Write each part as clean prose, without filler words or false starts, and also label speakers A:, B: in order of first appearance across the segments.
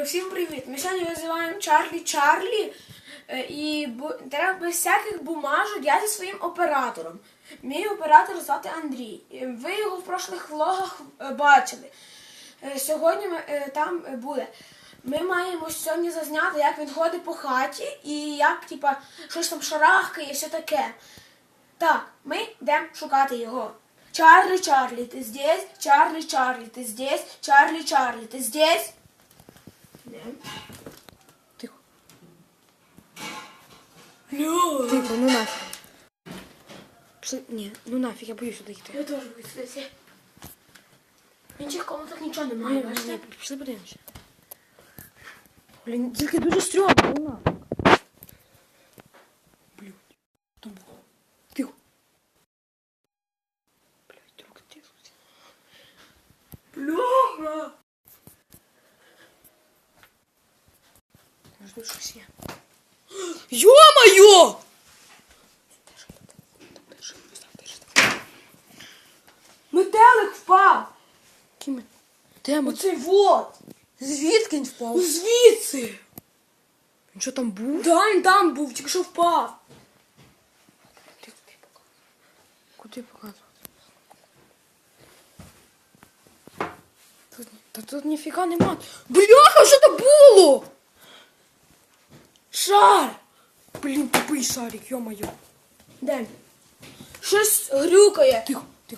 A: Всім привіт! Ми сьогодні визиваємо Чарлі і треба без всяких бумажок. Я зі своїм оператором. Мій оператор звати Андрій. Ви його в прошлих влогах бачили. Сьогодні там буде. Ми маємо сьогодні зазняти, як він ходить по хаті і як щось там шарахкає і все таке. Так, ми йдемо шукати його. Чарлі, ти здесь? Чарлі, ти здесь? Чарлі, ти здесь?
B: Тихо.
A: Лё!
B: Тихо, ну нафиг. Пішли... Ні, ну нафиг, я боюсь сюди йти.
A: Я теж боюсь сюди. В інших комнатах нічого немає, бачите?
B: Ні, пішли подивимося. Блін, тільки дуже стрьомно, ну нафиг. Блядь, там було. Тихо. Блядь, трохи тихо.
A: Бляха!
B: Може тут щось є. Ё-моё!
A: Метелик впав!
B: Кіме? Де ми?
A: Оцей вот!
B: Звідки він впав?
A: Звідси!
B: Він що там був?
A: Да, він там був, тільки що впав.
B: Куди показувати? Тут ніфіга нема. Бляха, що це було?
A: Шар!
B: Блін, тупий шарик, ё-моё.
A: Де він? Щось грюкає.
B: Тихо, тихо.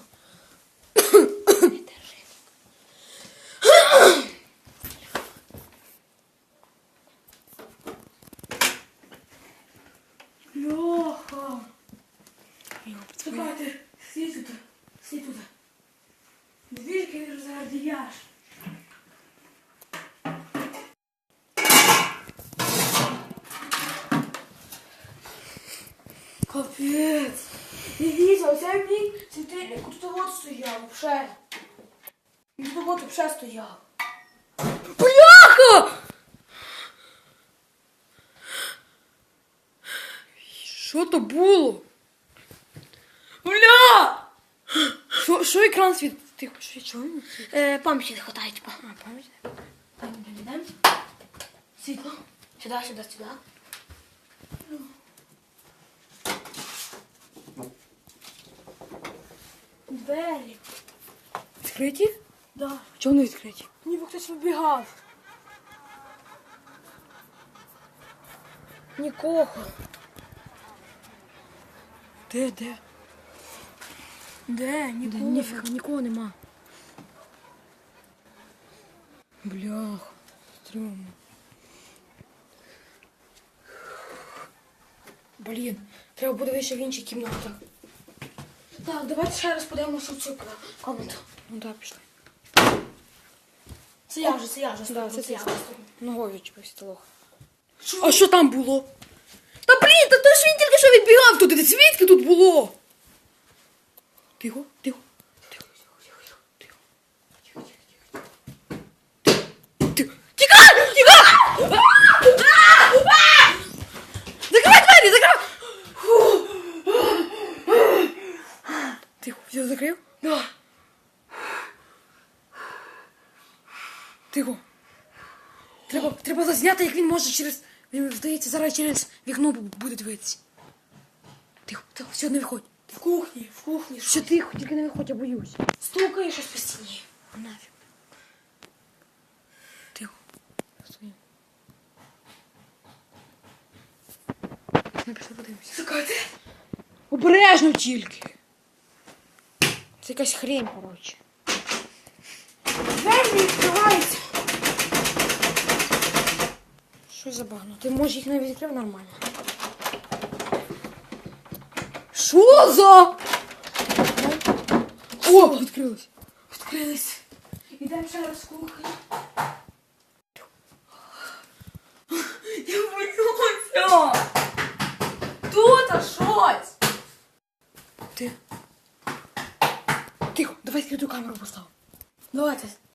A: Льоха! Чекайте, стій тут. Звідки розгардіяш? Капець! Дивіться, оце мій світильник, тут от стояв, вже. Він тут вже стояв.
B: Бляха! Що то було?
A: Бля!
B: Що екран світ? Тихо, що чого?
A: Пам'яті не хватає, типа.
B: А, пам'ять?
A: Йдемо. Світло. Сюди. Двері.
B: Відкриті?
A: Да.
B: Чого вони відкриті?
A: Ніби хтось вибігав.
B: Нікого. Де?
A: Де? Нікого.
B: Ніфіга, нікого нема. Блях, стрьомно. Блін, треба буде вище в іншій кімнаті.
A: Так, давайте ще раз подивимося в цю комнату.
B: Ну так, пішли.
A: Це я вже.
B: Да, це
A: я
B: ти.
A: вже.
B: Ногою чіпився лох.
A: Що?
B: А що там було? Та блін, та то ж він тільки що відбігав туди. Звідки тут було? Тихо. Тікай! Закривай двері, закривай! Тихо, все закрив?
A: Да.
B: Тихо. Треба зазняти, як він може через... Він, здається, зараз через вікно буде дивитися. Тихо, все, не виходь.
A: В кухні.
B: Все тихо, тільки не виходь, я боюсь.
A: Стукає щось по стіні.
B: Нафіг. Тихо. Стоїмо. Ми пішли подивимося.
A: Чекайте.
B: Обережно тільки. Це якась хрень, коротше.
A: Двері не відкриваються.
B: Що за багно? Ти можеш їх навіть відкрив нормально. Що за? О, відкрилось.
A: Відкрились. Ідемо ще раз в кухню. Я боюся. Тут щось.
B: Ти. Тихо, давай скриту камеру поставимо.
A: Давайте.